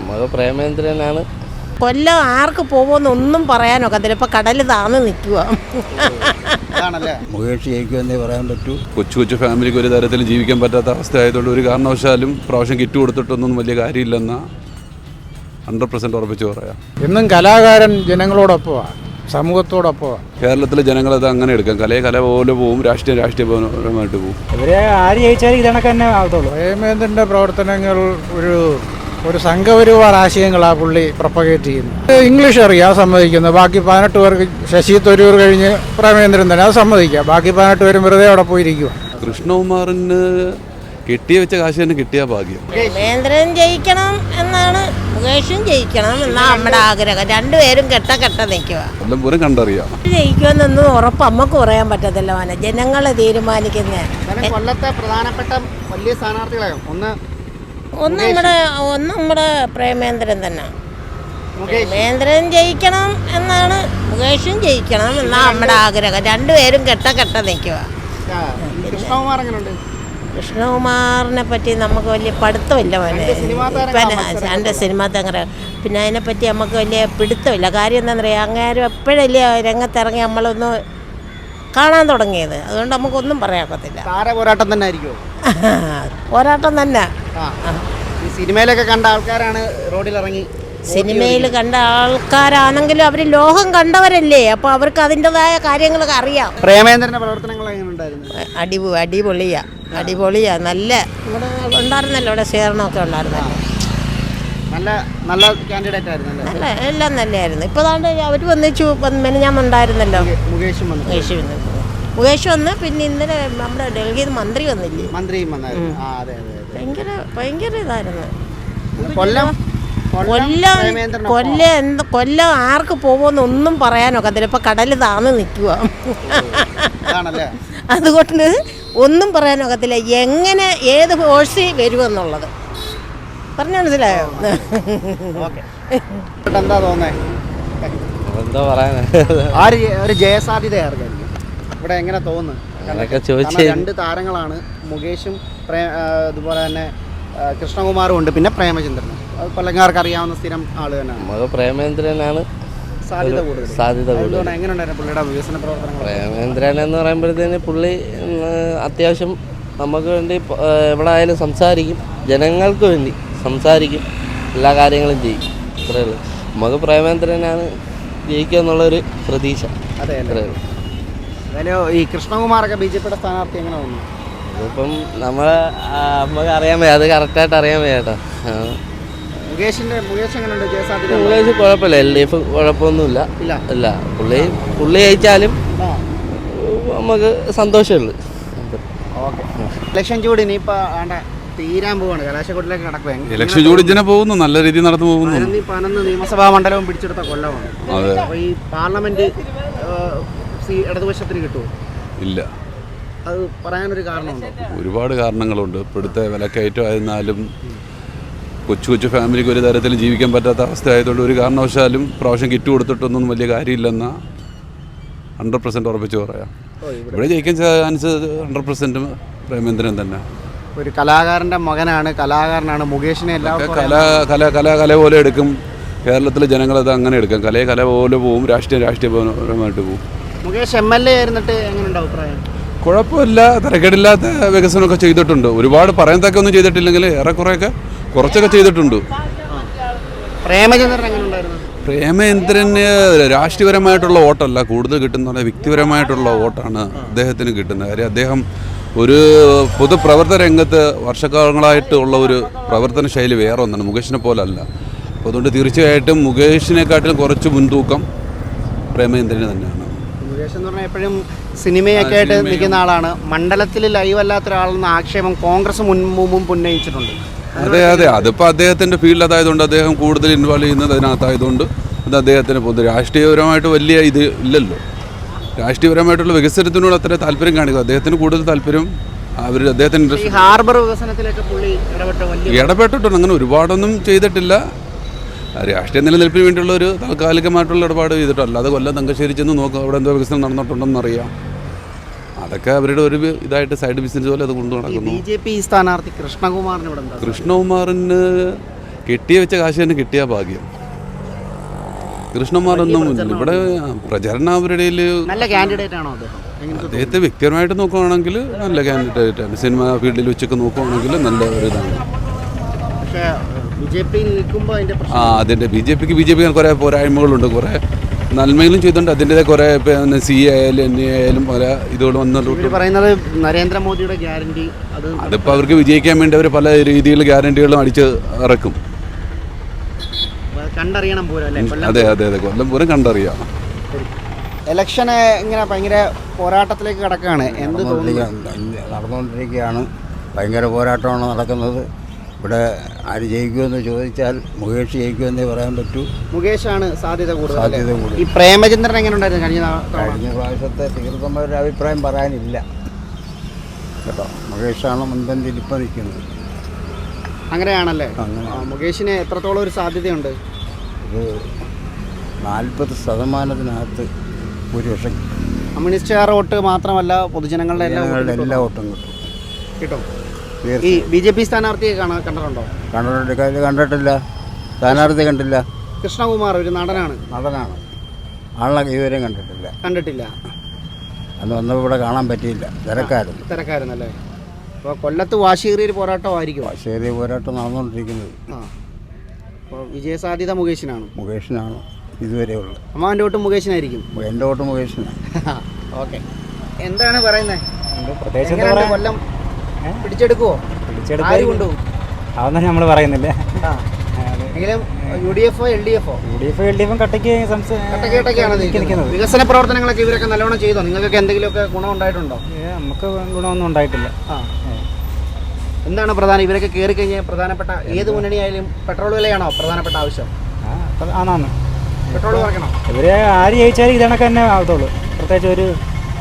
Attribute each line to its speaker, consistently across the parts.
Speaker 1: നമുക്ക് പ്രേമേന്ദ്രനാണ്.
Speaker 2: കൊല്ലം ആർക്ക് പോകുമെന്നൊന്നും പറയാനൊക്കത്തില്ല. ഇപ്പം കടൽ താന്ന് നിൽക്കുക.
Speaker 3: മുകേഷ് ജയിക്കുമെന്നേ പറയാൻ പറ്റൂ.
Speaker 4: കൊച്ചു ഫാമിലിക്ക് ഒരു തരത്തിൽ ജീവിക്കാൻ പറ്റാത്ത അവസ്ഥ ആയതുകൊണ്ട് ഒരു കാരണവശാലും പ്രാവശ്യം കിറ്റ് കൊടുത്തിട്ടൊന്നും വലിയ കാര്യമില്ലെന്ന 100% ഉറപ്പിച്ച് പറയാം.
Speaker 5: എന്നും കലാകാരൻ ജനങ്ങളോടൊപ്പമാണ്, സമൂഹത്തോടൊപ്പമാണ്.
Speaker 4: കേരളത്തിലെ ജനങ്ങളത് അങ്ങനെ എടുക്കാം. കല പോലെ പോവും, രാഷ്ട്രീയപരമായിട്ട് പോവും.
Speaker 6: ഇവരെ ആര് ജയിച്ചാലും ഇതണക്ക് തന്നെ ആവത്തുള്ളൂ.
Speaker 5: പ്രേമേന്ദ്രൻ്റെ പ്രവർത്തനങ്ങൾ ഒരു സംഘപരിവാർ ആശയങ്ങളാണ് പുള്ളി പ്രൊപ്പഗേറ്റ് ചെയ്യുന്നത്. ഇംഗ്ലീഷ് അറിയാം, സമ്മതിക്കുന്നത്. ബാക്കി 18 പേർക്ക് ശശി തരൂർ കഴിഞ്ഞ് പ്രേമേന്ദ്രൻ തന്നെ, അത് സമ്മതിക്കാം. ബാക്കി 18 പേരും വെറുതെ അവിടെ പോയിരിക്കുക.
Speaker 4: കൃഷ്ണകുമാറിന് കെട്ടിയ വെച്ച കാശ് തന്നെ കിട്ടിയ ഭാഗ്യം.
Speaker 2: പ്രേമേന്ദ്രൻ ജയിക്കണം എന്നാണ്, മുകേഷും ജയിക്കണം എന്നാണ് നമ്മുടെ ആഗ്രഹം. രണ്ടുപേരും കെട്ട നിൽക്കുക.
Speaker 4: എല്ലാം പൂരം കണ്ടറിയാം.
Speaker 2: ജയിക്കുമെന്നൊന്നും ഉറപ്പ് നമുക്ക് പറയാൻ പറ്റത്തില്ല. മോനെ, ജനങ്ങളെ തീരുമാനിക്കുന്ന
Speaker 6: കൊല്ലത്തെ പ്രധാനപ്പെട്ട വലിയ സ്ഥാനാർത്ഥികളായോ?
Speaker 2: ഒന്ന് നമ്മുടെ പ്രേമേന്ദ്രൻ തന്നെ. പ്രേമേന്ദ്രൻ ജയിക്കണം എന്നാണ്, മുകേഷും ജയിക്കണം എന്നാണ് നമ്മുടെ ആഗ്രഹം. രണ്ടുപേരും കെട്ട നിൽക്കുക. കൃഷ്ണകുമാറിനെ പറ്റി നമുക്ക് വലിയ പഠിത്തമില്ല മോനെ. എൻ്റെ സിനിമാ തങ്ങറ പിന്നെ അതിനെപ്പറ്റി നമുക്ക് വലിയ പിടുത്തമില്ല. കാര്യം എന്താണെന്ന് പറയുക, അങ്ങേരും എപ്പോഴല്ലേ രംഗത്തിറങ്ങി നമ്മളൊന്ന് കാണാൻ തുടങ്ങിയത്. അതുകൊണ്ട് നമുക്കൊന്നും പറയാക്കത്തില്ല.
Speaker 6: പോരാട്ടം തന്നെ ആയിരിക്കുമോ?
Speaker 2: പോരാട്ടം തന്നെ.
Speaker 6: സിനിമയിലൊക്കെ കണ്ട ആൾക്കാരാണ് റോഡിൽ ഇറങ്ങി.
Speaker 2: സിനിമയിൽ കണ്ട ആൾക്കാരാണെങ്കിലും അവർ ലോകം കണ്ടവരല്ലേ, അപ്പോൾ അവർക്ക് അതിൻ്റെതായ കാര്യങ്ങളൊക്കെ അറിയാം.
Speaker 6: പ്രേമേന്ദ്രൻ്റെ പ്രവർത്തനങ്ങൾ എങ്ങനെ ഉണ്ടായിരുന്നു?
Speaker 2: അടിപൊളിയാ. നല്ല ഇവിടെ ഉണ്ടായിരുന്നല്ലോ, ഇവിടെ സ്വീകരണമൊക്കെ ഉണ്ടായിരുന്നല്ലോ.
Speaker 6: നല്ല കാൻഡിഡേറ്റ് ആയിരുന്നു.
Speaker 2: നല്ല എല്ലാം നല്ലതായിരുന്നു. ഇപ്പോൾ താണ്ട് അവർ മെനഞ്ഞാന്നുണ്ടായിരുന്നല്ലോ മുകേഷ് വന്ന്. പിന്നെ ഇന്നലെ നമ്മുടെ ഡൽഹിയിൽ മന്ത്രി വന്നില്ലേ? ഭയങ്കര ഇതായിരുന്നു. കൊല്ലം ആർക്ക് പോകുമെന്നൊന്നും പറയാനൊക്കത്തില്ല. ഇപ്പം കടൽ താന്ന് നിൽക്കുക. അതുകൊണ്ട് ഒന്നും പറയാനൊക്കത്തില്ല. എങ്ങനെ ഏത് ഫോഴ്സ് വരുമെന്നുള്ളത് പറഞ്ഞു മനസ്സിലായോ?
Speaker 6: എന്താ തോന്നേ?
Speaker 1: എന്താ പറയാനാ,
Speaker 6: ഒരു ജയസാധ്യതയായിരുന്നു ഇവിടെ. എങ്ങനെ തോന്നുന്നു? രണ്ട് താരങ്ങളാണ്, മുകേഷും അതുപോലെ തന്നെ കൃഷ്ണകുമാറും ഉണ്ട്, പിന്നെ പ്രേമചന്ദ്രനും. അത് കൊല്ലങ്കാർക്ക് അറിയാവുന്ന സ്ഥിരം ആള് തന്നെയാണ്.
Speaker 1: നമുക്ക് പ്രേമേന്ദ്രനാണ് സാധ്യത കൂടുതൽ.
Speaker 6: എങ്ങനെയുണ്ടായിരുന്നു പുള്ളിയുടെ വികസന പ്രവർത്തനങ്ങൾ?
Speaker 1: പ്രേമേന്ദ്രൻ എന്ന് പറയുമ്പോഴത്തേന് പുള്ളി അത്യാവശ്യം നമുക്ക് വേണ്ടി എവിടെ ആയാലും സംസാരിക്കും, ജനങ്ങൾക്ക് വേണ്ടി സംസാരിക്കും, എല്ലാ കാര്യങ്ങളും ചെയ്യും. അത്രേ ഉള്ളൂ. നമുക്ക് പ്രേമേന്ദ്രനാണ് ജയിക്കുക എന്നുള്ളൊരു പ്രതീക്ഷ.
Speaker 6: അതെ. ഈ കൃഷ്ണകുമാറൊക്കെ BJPയുടെ സ്ഥാനാർത്ഥി എങ്ങനെ തോന്നുന്നു?
Speaker 1: അതിപ്പം നമുക്ക് അറിയാൻ വയ്യ, അത് കറക്റ്റായിട്ട് അറിയാൻ വയ്യ കേട്ടോ.
Speaker 6: മുകേഷ് എങ്ങനെയുണ്ട്?
Speaker 1: മുകേഷ് കുഴപ്പമില്ല, LDF കുഴപ്പമൊന്നുമില്ല. ഇല്ല, പുള്ളി ജയിച്ചാലും നമുക്ക് സന്തോഷമുള്ളൂ.
Speaker 6: ഇലക്ഷൻ ചൂട് ഇനിയിപ്പോൾ തീരാൻ പോവാണ്, കലാശക്കൊട്ടിലേക്ക് നടക്കുക.
Speaker 4: ഇലക്ഷൻ ചൂട് ഇങ്ങനെ പോകുന്നു, നല്ല രീതിയിൽ നടന്നു പോകുന്നു.
Speaker 6: 11 നിയമസഭാ മണ്ഡലവും പിടിച്ചെടുത്ത കൊല്ലമാണ്. അപ്പോൾ ഈ പാർലമെന്റ് ഇടതുപക്ഷത്തിന് കിട്ടുമോ?
Speaker 4: ഇല്ല.
Speaker 6: അത് പറയാനൊരു കാരണമുണ്ടോ?
Speaker 4: ഒരുപാട് കാരണങ്ങളുണ്ട്. ഇപ്പോഴത്തെ വിലക്കയറ്റമായിരുന്നാലും കൊച്ചു ഫാമിലിക്ക് ഒരു തരത്തിൽ ജീവിക്കാൻ പറ്റാത്ത അവസ്ഥ ആയതുകൊണ്ട് ഒരു കാരണവശാലും പ്രാവശ്യം കിറ്റ് കൊടുത്തിട്ടൊന്നും വലിയ കാര്യമില്ലെന്ന 100% ഉറപ്പിച്ച് പറയാം. ഇവിടെ ജയിക്കാൻ ചാൻസ് 100% പ്രേമേന്ദ്രൻ തന്നെ.
Speaker 6: ഒരു കലാകാരൻ്റെ കലാകാരനാണ് മുകേഷിനെ.
Speaker 4: കല പോലെ എടുക്കും. കേരളത്തിലെ ജനങ്ങളത് അങ്ങനെ എടുക്കാം. കല പോലെ പോവും, രാഷ്ട്രീയപരമായിട്ട് പോവും.
Speaker 6: മുകേഷ് MLA ആയിരുന്നിട്ട് എങ്ങനെയുണ്ട് അഭിപ്രായം?
Speaker 4: കുഴപ്പമില്ല, തിരക്കേടില്ലാത്ത വികസനമൊക്കെ ചെയ്തിട്ടുണ്ട്. ഒരുപാട് പറയത്തക്ക ഒന്നും ചെയ്തിട്ടില്ലെങ്കിൽ ഏറെക്കുറെയൊക്കെ കുറച്ചൊക്കെ ചെയ്തിട്ടുണ്ട്.
Speaker 6: പ്രേമചന്ദ്രൻ എങ്ങനെയുണ്ടായിരുന്നു?
Speaker 4: പ്രേമേന്ദ്രന് രാഷ്ട്രീയപരമായിട്ടുള്ള വോട്ടല്ല കൂടുതൽ കിട്ടുന്ന, വ്യക്തിപരമായിട്ടുള്ള വോട്ടാണ് അദ്ദേഹത്തിന് കിട്ടുന്നത്. കാര്യം അദ്ദേഹം ഒരു പൊതുപ്രവർത്തന രംഗത്ത് വർഷക്കാലങ്ങളായിട്ടുള്ള ഒരു പ്രവർത്തന ശൈലി വേറെ ഒന്നാണ്, മുകേഷിനെ പോലെ അല്ല. അപ്പോൾ അതുകൊണ്ട് തീർച്ചയായിട്ടും മുകേഷിനെക്കാട്ടിലും കുറച്ച് മുൻതൂക്കം പ്രേമേന്ദ്രന് തന്നെയാണ്.
Speaker 6: മുകേഷ് എന്ന് പറഞ്ഞാൽ എപ്പോഴും സിനിമയൊക്കെ ആയിട്ട് നിൽക്കുന്ന ആളാണ്. മണ്ഡലത്തിൽ ലൈവ് അല്ലാത്ത ഒരാളെന്ന ആക്ഷേപം കോൺഗ്രസ് മുമ്പും ഉന്നയിച്ചിട്ടുണ്ട്.
Speaker 4: അതെ, അതിപ്പോൾ അദ്ദേഹത്തിൻ്റെ ഫീൽഡ് അതായതുകൊണ്ട് അദ്ദേഹം കൂടുതൽ ഇൻവോൾവ് ചെയ്യുന്നത് അതിനകത്തായതുകൊണ്ട് അത് അദ്ദേഹത്തിന് പൊതു രാഷ്ട്രീയപരമായിട്ട് വലിയ ഇത് ഇല്ലല്ലോ. രാഷ്ട്രീയപരമായിട്ടുള്ള വികസനത്തിനോട് അത്ര താല്പര്യം കാണിക്കുക. അദ്ദേഹത്തിന് കൂടുതൽ താല്പര്യം അദ്ദേഹത്തിന്
Speaker 6: ഹാർബർ വികസനത്തിലൊക്കെ പുള്ളി
Speaker 4: ഇടപെട്ടിട്ടുണ്ട്. അങ്ങനെ ഒരുപാടൊന്നും ചെയ്തിട്ടില്ല. രാഷ്ട്രീയ നിലനിൽപ്പിന് വേണ്ടിയുള്ള ഒരു താൽക്കാലികമായിട്ടുള്ള ഇടപാട് ചെയ്തിട്ടോ. അല്ലാതെ കൊല്ലം തങ്കശ്ശേരി ചെന്ന് നോക്കുക അവിടെ എന്തോ വികസനം നടന്നിട്ടുണ്ടെന്നറിയാം. അതൊക്കെ അവരുടെ ഒരു ഇതായിട്ട് സൈഡ് ബിസിനസ് പോലെ അത് കൊണ്ടു നടക്കുന്നു.
Speaker 6: BJP സ്ഥാനാർത്ഥി കൃഷ്ണകുമാറിന്
Speaker 4: കെട്ടി വെച്ച കാശ് തന്നെ കിട്ടിയ ഭാഗ്യം. കൃഷ്ണകുമാറൊന്നും ഇവിടെ പ്രചരണം അവരുടെ
Speaker 6: നല്ല കാൻഡിഡേറ്റ് ആണോ അദ്ദേഹം?
Speaker 4: അദ്ദേഹത്തെ വ്യക്തിപരമായിട്ട് നോക്കുകയാണെങ്കിൽ നല്ല കാൻഡിഡേറ്റാണ്. സിനിമ ഫീൽഡിൽ വെച്ചൊക്കെ നോക്കുകയാണെങ്കിൽ നല്ല ഒരു ഇതാണ്.
Speaker 6: പക്ഷേ BJP നിൽക്കുമ്പോൾ അതിൻ്റെ
Speaker 4: അതിൻ്റെ ബി ജെ പിക്ക് കുറേ പോരായ്മകളുണ്ട്, കുറേ നന്മകളും ചെയ്തിട്ടുണ്ട്. അതിൻ്റെതായ കുറേ CA ആയാലും NA ആയാലും പല ഇതുകൾ വന്നിട്ടുണ്ട്.
Speaker 6: പറയുന്നത് നരേന്ദ്രമോദിയുടെ ഗ്യാരണ്ടി
Speaker 4: അതിപ്പോൾ അവർക്ക് വിജയിക്കാൻ വേണ്ടി അവർ പല രീതിയിൽ ഗ്യാരണ്ടികളും അടിച്ച് ഇറക്കും.
Speaker 6: കണ്ടറിയണം പോലും.
Speaker 4: അതെ അതെ അതെ, കൊല്ലം പൂരം കണ്ടറിയാം.
Speaker 6: ഇലക്ഷന് ഇങ്ങനെ ഭയങ്കര പോരാട്ടത്തിലേക്ക് കിടക്കുകയാണ്. എന്ത്
Speaker 3: നടന്നുകൊണ്ടിരിക്കുകയാണ്. ഭയങ്കര പോരാട്ടമാണ് നടക്കുന്നത്. ഇവിടെ ആര് ജയിക്കുമെന്ന് ചോദിച്ചാൽ മുകേഷ് ജയിക്കുമെന്നേ പറയാൻ പറ്റൂ.
Speaker 6: മുകേഷാണ് സാധ്യത കൂടുതൽ.
Speaker 3: സാധ്യത കൂടുതൽ.
Speaker 6: ഈ പ്രേമചന്ദ്രൻ എങ്ങനെ ഉണ്ടായിരുന്നു
Speaker 3: കഴിഞ്ഞ പ്രാവശ്യത്തെ തീർത്ഥമായ അഭിപ്രായം പറയാനില്ല കേട്ടോ. മുകേഷാണ് മുൻപന്തിയിൽ ഇപ്പം നിൽക്കുന്നത്.
Speaker 6: അങ്ങനെയാണല്ലേ? മുകേഷിന് എത്രത്തോളം ഒരു സാധ്യതയുണ്ട്?
Speaker 3: ഒരു 40% ഭൂരിപക്ഷം.
Speaker 6: കമ്മ്യൂണിസ്റ്റുകാർ വോട്ട് മാത്രമല്ല, പൊതുജനങ്ങളുടെ
Speaker 3: എല്ലാ വോട്ടും കിട്ടും.
Speaker 6: കിട്ടും. ഈ BJP സ്ഥാനാർത്ഥിയെ കണ്ടിട്ടുണ്ടോ?
Speaker 3: കണ്ടിട്ടില്ല. സ്ഥാനാർത്ഥി കണ്ടില്ല.
Speaker 6: കൃഷ്ണകുമാർ ഒരു നടനാണ്.
Speaker 3: ആളെ ഇതുവരെയും കണ്ടിട്ടില്ല. അന്ന് വന്നപ്പോൾ ഇവിടെ കാണാൻ പറ്റിയില്ല.
Speaker 6: തിരക്കായിരുന്നല്ലേ? അപ്പോൾ കൊല്ലത്ത് വാശിയേറിയൊരു പോരാട്ടമായിരിക്കും.
Speaker 3: വാശിയേറിയ പോരാട്ടം നടന്നുകൊണ്ടിരിക്കുന്നത്.
Speaker 6: അപ്പോൾ വിജയസാധ്യത മുകേഷിനാണ്
Speaker 3: ഇതുവരെ ഉള്ളത്.
Speaker 6: അമ്മാവൻ്റെ വോട്ട് മുകേഷിനായിരിക്കും.
Speaker 3: എൻ്റെ വോട്ട് മുകേഷിനാണ്.
Speaker 6: ഓക്കെ. എന്താണ് പറയുന്നത്?
Speaker 7: പ്രത്യേകിച്ച്
Speaker 6: കൊല്ലം പിടിച്ചെടുക്കുവോ? ആര് കൊണ്ടുപോകും?
Speaker 7: അതൊന്നും നമ്മൾ പറയുന്നില്ല.
Speaker 6: എങ്കിലും UDF LDF
Speaker 7: കട്ടയ്ക്കാണ്
Speaker 6: നിൽക്കുന്നത്. വികസന പ്രവർത്തനങ്ങളൊക്കെ ഇവരൊക്കെ നല്ലോണം ചെയ്തോ? നിങ്ങൾക്കൊക്കെ എന്തെങ്കിലുമൊക്കെ ഗുണം ഉണ്ടായിട്ടുണ്ടോ?
Speaker 7: നമുക്ക് ഗുണമൊന്നും ഉണ്ടായിട്ടില്ല.
Speaker 6: എന്താണ് പ്രധാനം? ഇവരൊക്കെ കയറി കഴിഞ്ഞാൽ പ്രധാനപ്പെട്ട ഏത് മുന്നണിയായാലും പെട്രോൾ വിലയാണോ പ്രധാനപ്പെട്ട ആവശ്യം?
Speaker 7: ആണാണ്.
Speaker 6: പെട്രോൾ കുറയ്ക്കണം.
Speaker 7: ഇവര് ആര് ജയിച്ചാലും ഇതണക്ക് തന്നെ ആവത്തുള്ളൂ. പ്രത്യേകിച്ച് ഒരു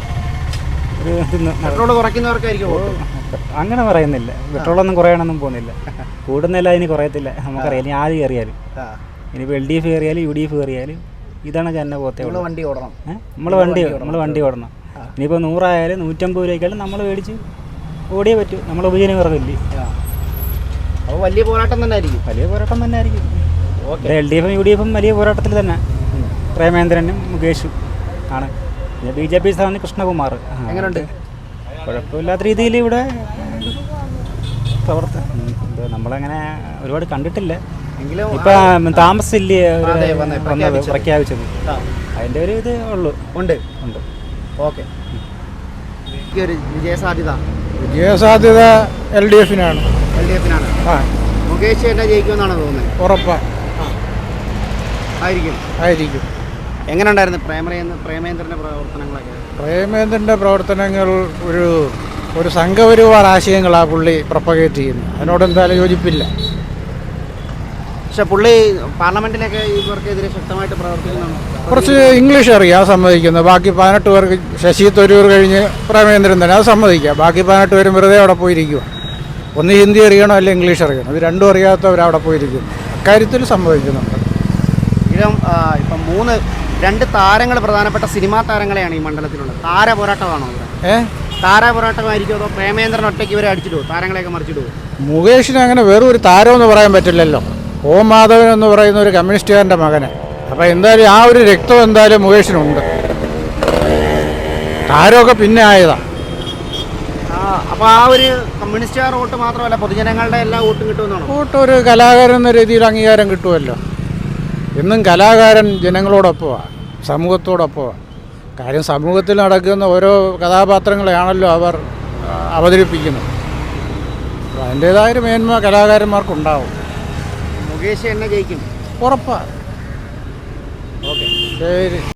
Speaker 6: പെട്രോൾ കുറയ്ക്കുന്നവർക്കായിരിക്കും വോട്ട്.
Speaker 7: അങ്ങനെ പറയുന്നില്ല. പെട്രോളൊന്നും കുറയണമെന്നും പോകുന്നില്ല. കൂടുന്നില്ല, അതിന് കുറയത്തില്ല. നമുക്കറിയാം. ഇനി ആര് കയറിയാലും, ഇനിയിപ്പോൾ LDF കയറിയാലും UDF കയറിയാലും ഇതണക്ക് തന്നെ പോകത്തേ ഉള്ളൂ.
Speaker 6: വണ്ടി ഓടണം.
Speaker 7: നമ്മൾ വണ്ടി ഓടണം. ഇനിയിപ്പോൾ 100 ആയാലും 150 രൂപയ്ക്കായാലും നമ്മൾ മേടിച്ച് ഓടിയേ പറ്റൂ. നമ്മൾ ഉപജീവനമാർഗ്ഗമില്ലേ?
Speaker 6: അപ്പോൾ വലിയ പോരാട്ടം തന്നെ ആയിരിക്കും.
Speaker 7: LDF UDF വലിയ പോരാട്ടത്തിൽ തന്നെ. പ്രേമേന്ദ്രനും മുകേഷും ആണ്. പിന്നെ BJP സ്ഥാനം കൃഷ്ണകുമാർ.
Speaker 6: എങ്ങനെയുണ്ട്?
Speaker 7: കുഴപ്പമില്ലാത്ത രീതിയിൽ ഇവിടെ നമ്മളങ്ങനെ ഒരുപാട് കണ്ടിട്ടില്ല. ഇപ്പം താമസില്ലേ പ്രഖ്യാപിച്ചത്, അതിൻ്റെ ഒരു ഇത് ഉണ്ട്.
Speaker 6: ഓക്കെ. വിജയസാധ്യത
Speaker 5: LDF-നാണ്.
Speaker 6: മുകേഷ് തന്നെ ജയിക്കുമെന്നാണ് തോന്നുന്നത്.
Speaker 5: ഉറപ്പാ
Speaker 6: ആയിരിക്കും. എങ്ങനെ ഉണ്ടായിരുന്നു പ്രേമേന്ദ്രൻ്റെ പ്രവർത്തനങ്ങളൊക്കെ?
Speaker 5: പ്രേമേന്ദ്രൻ്റെ പ്രവർത്തനങ്ങൾ ഒരു സംഘപരിവാർ ആശയങ്ങളാണ് പുള്ളി പ്രൊപ്പഗേറ്റ് ചെയ്യുന്നത്. അതിനോട് എന്തായാലും യോജിപ്പില്ല.
Speaker 6: പക്ഷെ പുള്ളി പാർലമെന്റിലൊക്കെ ഇവർക്കെതിരെ ശക്തമായിട്ട് പ്രവർത്തിക്കുന്നതാണ്.
Speaker 5: കുറച്ച് ഇംഗ്ലീഷ് അറിയാം, സമ്മതിക്കുന്നത്. ബാക്കി 18 പേർക്ക് ശശി തരൂർ കഴിഞ്ഞ് പ്രേമേന്ദ്രൻ തന്നെ, അത് സമ്മതിക്കുക. ബാക്കി 18 പേരും വെറുതെ അവിടെ പോയിരിക്കുക. ഒന്ന് ഹിന്ദി അറിയണോ അല്ലെങ്കിൽ ഇംഗ്ലീഷ് അറിയണം. ഇത് രണ്ടും അറിയാത്തവർ അവിടെ പോയിരിക്കുന്നു. അക്കാര്യത്തിൽ സമ്മതിക്കുന്നുണ്ട്.
Speaker 6: ഇപ്പം 2 താരങ്ങൾ, പ്രധാനപ്പെട്ട സിനിമാ താരങ്ങളെയാണ് ഈ മണ്ഡലത്തിലുള്ളത്. താര പോരാട്ടമാണോ ഇവിടെ? താര പോരാട്ടമായിരിക്കും അതോ പ്രേമേന്ദ്രൻ ഒറ്റയ്ക്ക് ഇവരെ അടിച്ചിടുവോ? താരങ്ങളെയൊക്കെ മറിച്ചിടുവോ?
Speaker 5: മുകേഷിന് അങ്ങനെ വെറും ഒരു താരമെന്ന് പറയാൻ പറ്റില്ലല്ലോ. ഓം മാധവൻ എന്ന് പറയുന്ന ഒരു കമ്മ്യൂണിസ്റ്റുകാരൻ്റെ മകനെ. അപ്പോൾ എന്തായാലും ആ ഒരു രക്തം എന്തായാലും മുകേഷിനുണ്ട്. താരമൊക്കെ പിന്നെ ആയതാ.
Speaker 6: അപ്പോൾ ആ ഒരു കമ്മ്യൂണിസ്റ്റുകാർ വോട്ട് മാത്രമല്ല, പൊതുജനങ്ങളുടെ എല്ലാ വോട്ടും കിട്ടുമെന്നാണ്.
Speaker 5: വോട്ട് ഒരു കലാകാരൻ എന്ന രീതിയിൽ അംഗീകാരം കിട്ടുമല്ലോ. എന്നും കലാകാരൻ ജനങ്ങളോടൊപ്പമാണ്, സമൂഹത്തോടൊപ്പമാണ്. കാര്യം സമൂഹത്തിൽ നടക്കുന്ന ഓരോ കഥാപാത്രങ്ങളെയാണല്ലോ അവർ അവതരിപ്പിക്കുന്നത്. അപ്പോൾ അതിൻ്റേതായൊരു മേന്മ കലാകാരന്മാർക്കുണ്ടാവും.
Speaker 6: മുകേഷ് എന്നെ ജയിക്കും.
Speaker 5: ഉറപ്പാണ്. ഓക്കെ, ശരി.